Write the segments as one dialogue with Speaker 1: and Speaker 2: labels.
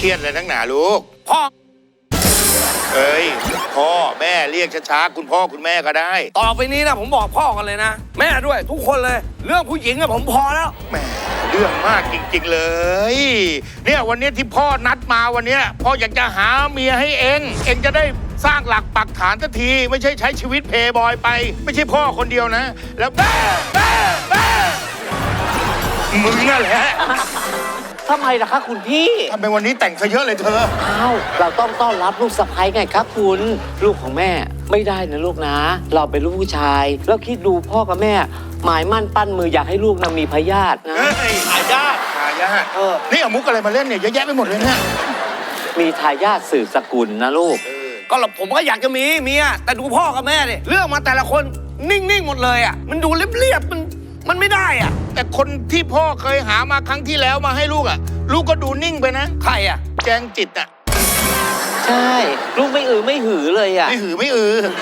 Speaker 1: เครียดเลยนักหนาลูก
Speaker 2: พ่อ
Speaker 1: เอ้ยพ่อแม่เรียกช้าๆคุณพ่อคุณแม่ก็ได้
Speaker 2: ต่อไปนี้นะผมบอกพ่อกันเลยนะ แม่ด้วยทุกคนเลย เรื่องผู้หญิงอะผมพอแล้ว
Speaker 1: แหมเรื่องมากจริงๆเลย เนี่ยวันนี้ที่พ่อนัดมาวันนี้พ่ออยากจะหาเมียให้เองจะได้สร้างหลักปักฐานสักทีไม่ใช่ใช้ชีวิตเพย์บอยไป ไม่ใช่พ่อคนเดียวนะ แล้วแม่มึงนั่นแหละ
Speaker 3: ทำไมล่ะคะคุณพี่
Speaker 1: ทำไมวันนี้แต่งซะเยอะเลยเธอ
Speaker 3: อ้าวเราต้องต้อนรับลูกสะใภ้ไงครับคุณลูกของแม่ไม่ได้นะลูกนะ เราเป็นลูกผู้ชายแล้วคิดดูพ่อกับแม่ หมายมั่นปั้นมืออยากให้ลูกนะมีพยาธินะ
Speaker 1: เฮ้ยทายาทนี่เอามุกอะไรมาเล่นเนี่ยเยอะแยะไปหมดเลยเนี่ย
Speaker 3: มีทายาทสืบสกุลนะลูก
Speaker 2: ก็ผมก็อยากจะมีเมียแต่ดูพ่อกับแม่ดิเรื่องมาแต่ละคนนิ่งๆหมดเลยอะมันดูเรียบๆมันไม่ได้อะ
Speaker 1: แต่คนที่พ่อเคยหามาครั้งที่แล้วมาให้ลูกอ่ะลูกก็ดูนิ่งไปนะ
Speaker 2: ใครอะ
Speaker 1: แจงจิตอ่ะ
Speaker 3: ใช่ลูกไม่ไม่หือเลยอ่ะ
Speaker 1: ไม่หือไม่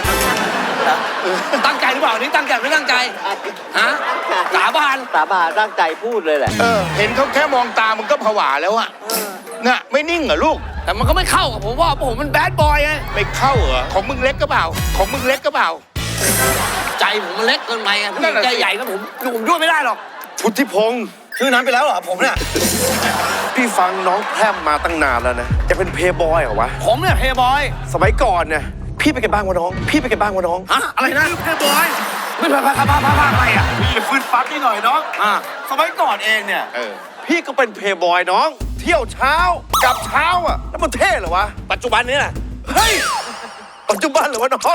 Speaker 2: ตั้งใจหรือเปล่านี่ตั้งใจไม่ตั้งใจฮะสาบาน
Speaker 3: สาบานตั้งใจพูดเลยแหละ
Speaker 1: เห็นเขาแค่มองตามันก็ผวาแล้วอ่ะน่ะไม่นิ่งเหรอลูก
Speaker 2: แต่มันก็ไม่เข้ากับผมว่าผมมันแบดบอยไง
Speaker 1: ไม่เข้าเหรอของมึงเล็กก็เปล่าของมึงเล็กก็เปล่า
Speaker 2: ใจผมมันเล็กเกินไปไงผู้ห
Speaker 1: นั่
Speaker 2: ญิ
Speaker 1: น
Speaker 2: ง
Speaker 1: น่ะสิ
Speaker 2: ใจใหญ่ก็ผมด้วยไม่ได้หรอก
Speaker 4: พุทธิพงศ์
Speaker 2: ชื่อนั้นไปแล้วเหรอผมเนี่ย
Speaker 4: พี่ฟังน้องแพร่มมาตั้งนานแล้วนะจะเป็นเพย์บอยเหรอวะ
Speaker 2: ผมเนี่ยเพย์บอย
Speaker 4: สมัยก่อนเนี่ยพี่ไปกันบ้างวะน้อง พี่ไปกันบ้างวะน้อง
Speaker 2: ฮะอะไรนะเพย์บอยไม่พาอะไรอ่ะ
Speaker 4: พี่ฟื้นฟัดนี่หน่อยน้อง สมัยก่อนเองเนี่ยพี่ก็เป็นเพย์บอยน้อง เที่ยวเช้ากลับเช้าอ่ะแล้วมันเท่เหรอวะ
Speaker 2: ปัจจุบันนี้แหละ
Speaker 4: เฮ้ยปัจจุบันเหรอวะน้อง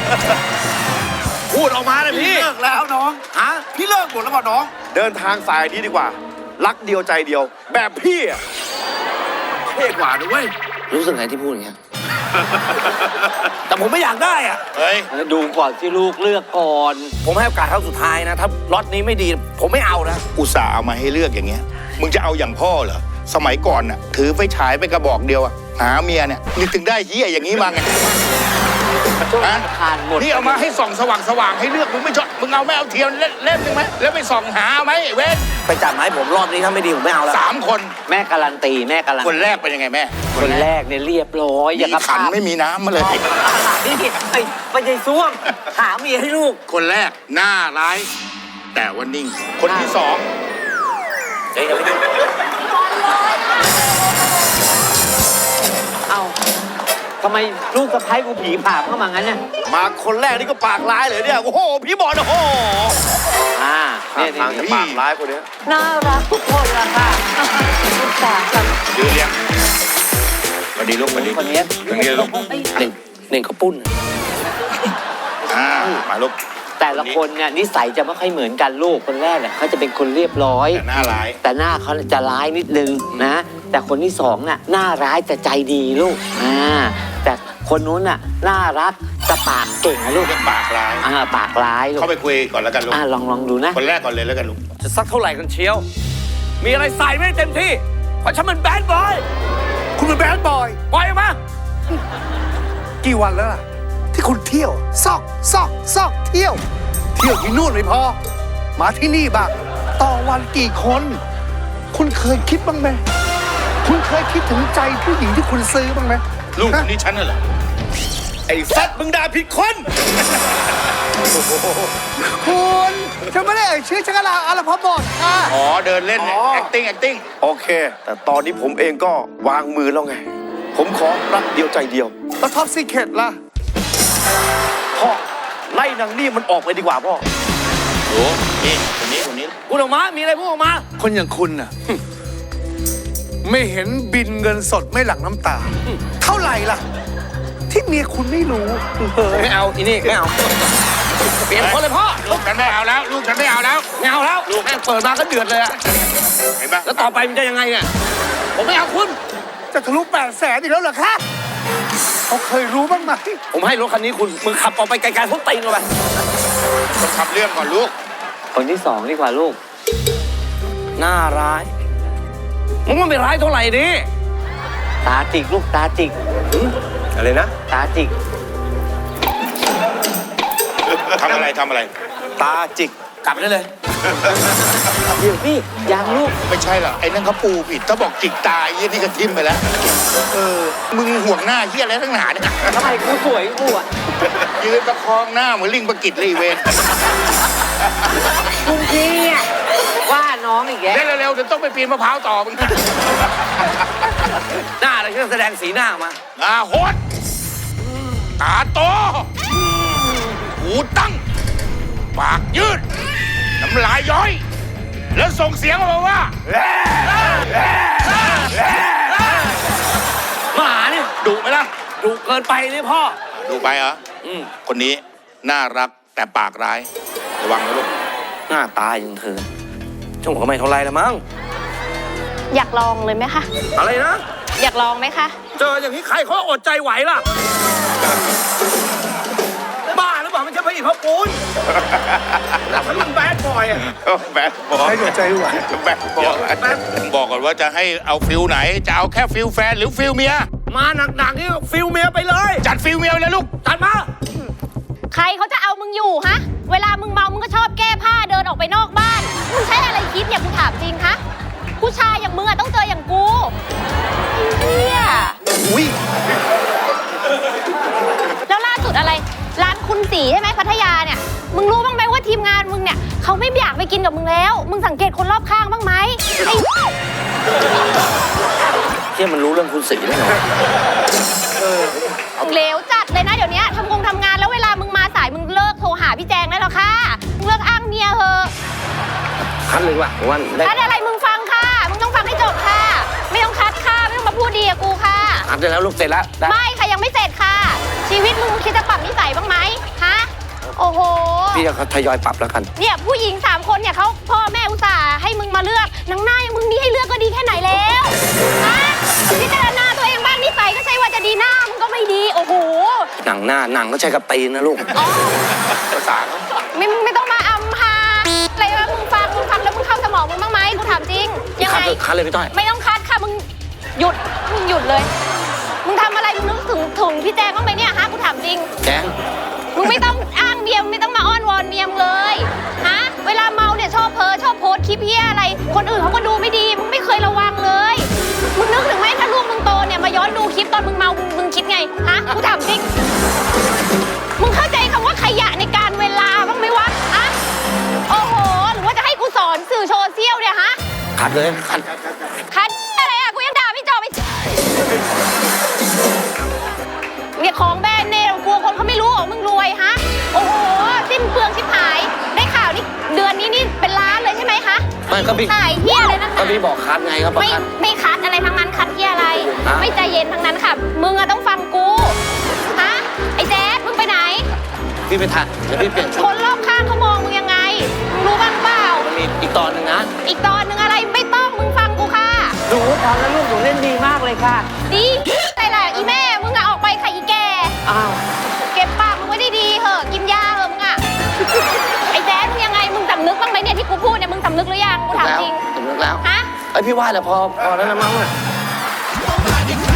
Speaker 2: พูดออกมาเลยพี่
Speaker 4: เลิกแล้วน้อง
Speaker 2: ฮะ
Speaker 4: พี่เลิกหมดแล้วป่ะน้อง เดินทางสายนี้ดีกว่า รักเดียวใจเดียว แบบพี่อ่ะเท่กว่าด้วย
Speaker 2: รู้สึกไงที่พูดอย่างเงี้ย แต่ผมไม่อยากได้อ่ะ
Speaker 1: เฮ้ย
Speaker 3: ดูก่อนที่ลูกเลือกก่อน
Speaker 2: ผมให้โอกาสครั้งสุดท้ายนะ ถ้าล็อตนี้ไม่ดี ผมไม่เอานะ
Speaker 1: อุตส่าห์เอามาให้เลือกอย่างเงี้ยมึงจะเอาอย่างพ่อเหรอสมัยก่อนน่ะถือไฟฉายไปกระบอกเดียวอะหาเมียเนี่ยนี่ถึงได้เฮียอย่างนี้มาไง
Speaker 3: ช่วง
Speaker 1: ฮะ
Speaker 3: ทานหมด
Speaker 1: นี่เอามาให้ส่องสว่างๆให้เลือกมึงไม่ชอบมึงเอาไม่เอาเทียนเล่มหนึงไหมแล้วไปส่องหาไหมเว้น
Speaker 2: ไปจัดมาให้ผมรอบนี้ถ้าไม่ดีผมไม่เอาแล้ว
Speaker 1: 3 คน
Speaker 3: แม่การันตีแม่การัน
Speaker 1: คนแรกเป็นยังไงแม่
Speaker 3: คนแรกเนี่ยเรียบร้อยอย่าง
Speaker 1: มี
Speaker 3: กับ
Speaker 1: ขันไม่มีน้ำมาเลย
Speaker 3: นี่ไม่ใช่ซ่วมหาเมียให้ลูก
Speaker 1: คนแรกหน้าร้าย แต่ว่านิ่ง คนที่สอง
Speaker 3: เอ้าทำไมลูกสะใภ้กูผีผ่าเข้ามางั้นเนี่ย
Speaker 4: มาคนแรกนี่ก็ปากร้ายเลยเนี่ย โอ้โห พี่บอลโอ้โห
Speaker 3: เนี่ย
Speaker 4: ทางจะปากร้ายคนเนี้ย
Speaker 3: น่ารักทุกคนละค่ะลูกสาวกัน
Speaker 1: ยืนเรียงสวัสดีลูกสวัสดี
Speaker 3: คนนี้
Speaker 1: ตรงนี้ลูก
Speaker 2: เน่งเขาปุ้น
Speaker 1: มาลูก
Speaker 3: แต่ละคนเนี่ยนิสัยจะไม่ค่อยเหมือนกันลูกคนแรกเนี่ยเขาจะเป็นคนเรียบร้อย
Speaker 1: แต่หน้าร้าย
Speaker 3: แต่หน้าเขาจะร้ายนิดนึงนะ แต่คนที่สองน่ะหน้าร้ายแต่ใจดีลูกแต่คนนู้นน่ะน่ารักแต่ปากเก่งนะลูก
Speaker 1: เรียกปากร้าย
Speaker 3: ปากร้ายลูก
Speaker 1: เข้าไปคุยก่อนแล้วกันลูก
Speaker 3: ลองดูนะ
Speaker 1: คนแรกก่อนเลยแล้วกันลูก
Speaker 2: จะสักเท่าไหร่กันเชียว มีอะไรใส่ไม่เต็มที่ เพราะฉันมันแบดบอย
Speaker 4: คุณเป็นแบดบอย
Speaker 2: ปล่อยออกมา
Speaker 4: กี่วันแล้วล่ะ ที่คุณเที่ยวซอกเที่ยวที่นู่นไม่พอ มาที่นี่บ้างต่อวันกี่คน คุณเคยคิดบ้างไหมคุณเคยคิดถึงใจผู้หญิงที่คุณซื้อบ้างไหม
Speaker 1: ลูกคนนี้ฉันน่ะเหรอ
Speaker 4: ไอ้สัตว์มึงด่าผิดคนคุณฉันไม่ได้เอ่ยชื่อฉันก็ลาอะไรพอบอกค่ะ
Speaker 1: อ๋อเดินเล่นเนี่ย acting
Speaker 4: โอเค แต่ตอนนี้ผมเองก็วางมือแล้วไง ผมขอรักเดียวใจเดียวแล้วท็อปซีเคร็ตล่ะพ่อไล่นางนี่มันออกไปดีกว่าพ่อ
Speaker 1: โอ้นี่คนนี้คนนี้
Speaker 2: พูดออกมา มีอะไรพูดออกมา
Speaker 5: คนอย่างคุณน่ะ ไม่เห็นบินเงินสดไม่หลั่งน้ำตา เท่าไหร่ล่ะ ที่เมียคุณไม่รู้
Speaker 2: ไม่เอาอีนี่ไม่เอา เปลี่ยนคนเลยพ่อ
Speaker 1: ลูกฉันไม่เอาแล้ว ลูกฉันไม่เอาแล้ว
Speaker 2: ไม่เอาแล้วแม่งเปิดมาก็เดือดเลยอะ
Speaker 1: เห็นปะ
Speaker 2: แล้วต่อไปมันจะยังไงเนี่ย ผมไม่เอาคุณ
Speaker 5: จะทะลุ800,000อีกแล้วเหรอคะเขาเคยรู้บ้างไหม
Speaker 2: ผมให้รถคันนี้คุณ มึงขับออกไปไกลๆทุกตีนเลย
Speaker 1: ต้องทำเรื่องก่อนลูก
Speaker 3: คนที่สองดีกว่าลูก
Speaker 2: หน้าร้าย มึงมันไม่ร้ายเท่าไหร่ดิ
Speaker 3: ตาจิกลูกตาจิก
Speaker 4: อะไรนะ
Speaker 3: ตาจิก
Speaker 1: ทำอะไร
Speaker 4: ตาจิก
Speaker 2: กลับได้เลย
Speaker 3: เดี๋ยวพี่ยังลูก
Speaker 1: ไม่ใช่หรอกไอ้นั่นเขาปูผิดถ้าบอกจิกตายยี่นี่ก็ทิ่มไปแล้ว มึงห่วงหน้าเฮียอะไรทั้งหนาเนี่ย
Speaker 3: ทำไมกูสวยกูอ่ะ
Speaker 1: ยืนประคองหน้าเหมือนลิงประกิตเลยอีเวน
Speaker 3: คุณพี่อะว่าน้องอีกแก
Speaker 1: เร็วๆเดี๋ยวต้องไปปีนมะพร้าวต่อมึง
Speaker 2: หน้าอะไรที่แสดงสีหน้าออกมา
Speaker 1: โหดตาโตหูตั้ง ปากยืด น้ำลายย้อย แล้วส่งเสียงออกมาว่า
Speaker 2: หมาเนี่ย
Speaker 1: ดุไหมล่ะ
Speaker 2: ดุเกินไปเลยพ่อ
Speaker 1: ดุไปเหรอ คนนี้น่ารักแต่ปากร้าย ระวังนะลูก
Speaker 2: หน้าตาอย่างเธอช่างหัวไม่เท่าไรละมั้ง
Speaker 6: อยากลองเลยไหมคะ
Speaker 2: อะไรนะ
Speaker 6: อยากลองไหมคะ
Speaker 2: เจออย่างนี้ใครเขาอดใจไหวล่ะ บ้าหรือเปล่าไม่ใช่พระอินทร์พระปูนแล้วเขาเป็นแบดบอยอะ
Speaker 1: แบดบอย
Speaker 4: ให้หัวใจไหว
Speaker 1: แบดบอยบอกก่อนว่าจะให้เอาฟิลไหน จะเอาแค่ฟิลแฟนหรือฟิลเมีย
Speaker 2: มาหนักๆนี่ฟิลเมียไปเลย
Speaker 1: จัดฟิลเมียเลยลูก
Speaker 2: จัดมา
Speaker 6: ใครเขาจะเอามึงอยู่ฮะ เวลามึงเมามึงก็ชอบแก้ผ้าเดินออกไปนอกบ้าน มึงใช้อะไรคิดเนี่ยกูถามจริงคะผู้ชายอย่างมึงอะต้องเจออย่างกูไอ้เฮีย
Speaker 4: อุ้ย
Speaker 6: แล้วล่าสุดอะไร ร้านคุณสีใช่ไหมพัทยาเนี่ย มึงรู้บ้างไหมว่าทีมงานมึงเนี่ยเขาไม่อยากไปกินกับมึงแล้ว มึงสังเกตคนรอบข้างบ้างไหมไอ้
Speaker 2: เที่ยมันรู้เรื่องคุณศรีได้ไง
Speaker 6: เหลวจัดเลยนะเดี๋ยวนี้ทำงานแล้วเวลามึงมาสายมึงเลิกโทรหาพี่แจงได้แล้วค่ะ มึงเลิกอ้างเมียเถอะ
Speaker 2: คัดเลยว่ะวันได้
Speaker 6: คัดอะไรมึงฟังค่ะ มึงต้องฟังให้จบค่ะ ไม่ต้องคัดค่ะ ไม่ต้องมาพูดดีกับกูค่ะ
Speaker 2: คัดได้แล้วลูกเสร็จแล้วได้
Speaker 6: ไม่ค่ะยังไม่เสร็จค่ะ ชีวิตมึงคิดจะปรับนิสัยบ้างไหมฮะ โอ้โห
Speaker 2: พี่จะทยอยปรับแล้วกัน
Speaker 6: เนี่ยผู้หญิง3 คนเนี่ยเขาพ่อแม่อุตส่าห์ให้มึงมาเลือกหนังหน้าอย่างมึงนี่ให้เลือกก็ดีแค่ไหนแล้วฮะพิจารณาตัวเองบ้างนิสัยก็ใช่ว่าจะดีหน้ามึงก็ไม่ดี โอ้โห
Speaker 2: หนังหน้าหนังก็ใช้กับตีนนะลูก
Speaker 6: อ๋อ
Speaker 1: ภาษาเขา
Speaker 6: ไม่ต้องมาอำพาอะไรวะมึงฟังแล้วมึงเข้าสมองมึงบ้างไหมกูถามจริง ยัง
Speaker 2: คัด
Speaker 6: ไง
Speaker 2: เลยคัดเลยพี่ต้อย
Speaker 6: ไม่ต้องคัดค่ะมึงหยุดเลย มึงทำอะไรมึงนึกถึงพี่แจงบ้างไหมเนี่ยฮะกูถามจริง
Speaker 2: แจ้ง
Speaker 6: มึงไม่ต้องอ้างเมียมึงไม่ต้องมาอ้อนวอนเมียมงเลยฮะเวลาเมาเนี่ยชอบโพสต์คลิปเฮียอะไร คนอื่นเขาก็ดูไม่ดีมึงไม่เคยระวังเลยมึงนึกถึงไหมถ้าลูกมึงโตเนี่ยมาย้อนดูคลิปตอนมึงเมามึงคิดไงฮะกูถามจริงมึงเข้าใจคำว่าขยะในการเวลาบ้างไหมวะฮะโอ้โหหรือว่าจะให้กูสอนสื่อโซเชียลเนี่ยฮะ
Speaker 2: คัดเลยคัด
Speaker 6: คันอะไรอะกูยังด่าไม่จบไปเนี่ยของแบรนด์เนมกลัวคนเขาไม่รู้หรอมึงรวยฮะโอ้โหสิ้นเปลืองชิบหายได้ข่าวนี่เดือนนี้นี่เป็นล้านเลยใช่ไหมคะ
Speaker 2: ไม่ก็พี่
Speaker 6: ถ่ายเฮียอะไรนั่น
Speaker 2: ก็พี่บอกคัดไงครับ
Speaker 6: ไม่คัดอะไรทั้งนั้นคัดเฮียอะไร
Speaker 2: ฮะ
Speaker 6: ไม่ใจเย็นทั้งนั้นค่ะมึงอะต้องฟังกูฮะไอ้แจ๊ดมึงไปไหน
Speaker 2: พี่ไปถ่ายเดี๋ยวพี่เปลี่ยนชุ
Speaker 6: ค
Speaker 2: ด
Speaker 6: นรอบข้างเขามองมึงยังไงมึงรู้บ้างเปล่า
Speaker 2: มันมีอีกตอนหนึ่งนะ
Speaker 6: อีกตอนหนึ่งอะไรไม่ต้องมึงฟังกูค่ะ
Speaker 3: หนูทำแล้วลูกหนูเล่นดีมากเลยค่ะ
Speaker 6: ดีแต่ละอีแม่มึงอะออกไปค่ะอีแก
Speaker 3: อ้าว
Speaker 6: เก็บปากมึงไว้ดีๆเหอะกินยาเหอะมึงอะไอ้แจ๊ดมึงยังไงมึงสำนึกบ้างไหมเนี่ยที่กูพูดเนี่ยมึงสำนึกหรือยังกูถาม
Speaker 2: แล้ว
Speaker 6: จริง
Speaker 2: สำนึกแล้ว
Speaker 6: ฮะ
Speaker 2: ไอยพี่ว่าแหละพอแล้วนะมั้งอะ
Speaker 1: มาดิค